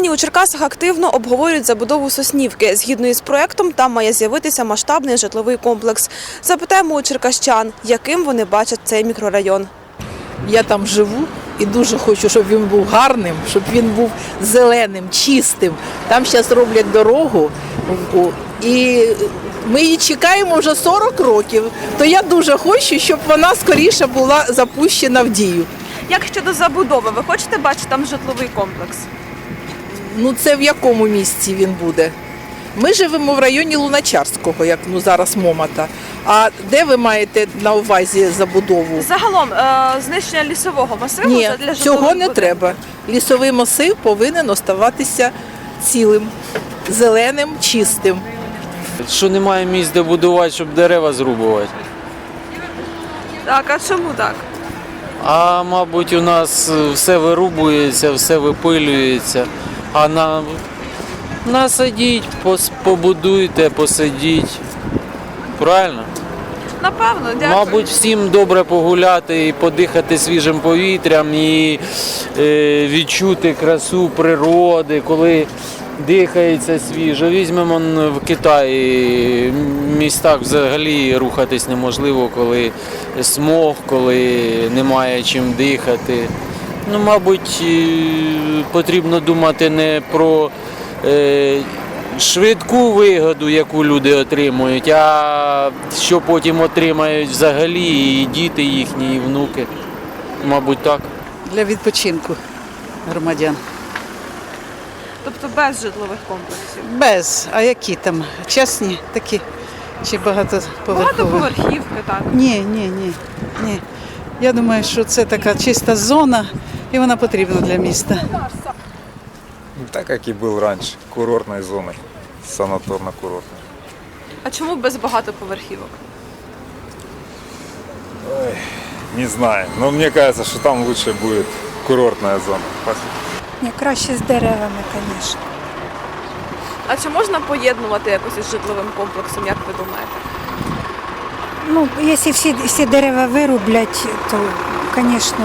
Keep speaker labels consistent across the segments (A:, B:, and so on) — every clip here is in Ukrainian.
A: Нині у Черкасах активно обговорюють забудову Соснівки. Згідно із проектом, там має з'явитися масштабний житловий комплекс. Запитаємо у черкащан, яким вони бачать цей мікрорайон.
B: Я там живу і дуже хочу, щоб він був гарним, щоб він був зеленим, чистим. Там зараз роблять дорогу, і ми її чекаємо вже 40 років. То я дуже хочу, щоб вона скоріше була запущена в дію.
A: Як щодо забудови, ви хочете бачити там житловий комплекс?
B: Ну це в якому місці він буде? Ми живемо в районі Луначарського, як зараз Момота. А де ви маєте на увазі забудову?
A: Загалом, знищення лісового масиву
B: Ні,
A: для житлових
B: цього не
A: будинків?
B: треба. Лісовий масив повинен оставатися цілим, зеленим, чистим.
C: Що немає місць, де будувати, щоб дерева зрубувати.
A: Так, а чому так?
C: А мабуть, у нас все вирубується, все випилюється. А насадіть, побудуйте, посидіть. Правильно?
A: Напевно, дякую.
C: Мабуть, всім добре погуляти і подихати свіжим повітрям і відчути красу природи, коли дихається свіжо. Візьмемо в Китаї, в містах взагалі рухатись неможливо, коли смог, коли немає чим дихати. Ну, мабуть, потрібно думати не про швидку вигоду, яку люди отримують, а що потім отримають взагалі і діти їхні, і внуки. Мабуть, так.
D: Для відпочинку громадян.
A: Тобто без житлових комплексів?
D: Без. А які там? Частні такі чи багатоповерхові?
A: Багатоповерхівки, так.
D: Ні. Я думаю, що це така чиста зона і вона потрібна для міста.
E: Так, как и был раньше, курортной зоной, санаторно-курортной.
A: А чому без багатоповерхівок?
E: Не знаю, но мне кажется, что там лучше будет курортная зона.
F: Ні, краще з деревами, звісно.
A: А чи можна поєднувати якось із житловим комплексом, як ви думаєте?
F: Ну, якщо всі дерева вирублять, то, звісно,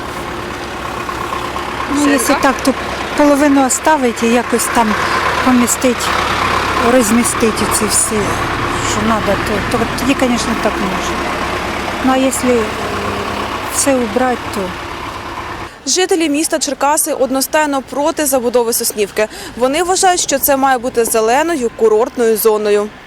F: ну, якщо так, то половину оставити і якось там помістити, розмістити ці всі, що треба, то тоді, звісно, так можна. Ну, а якщо все убрати, то...
A: Жителі міста Черкаси одностайно проти забудови Соснівки. Вони вважають, що це має бути зеленою курортною зоною.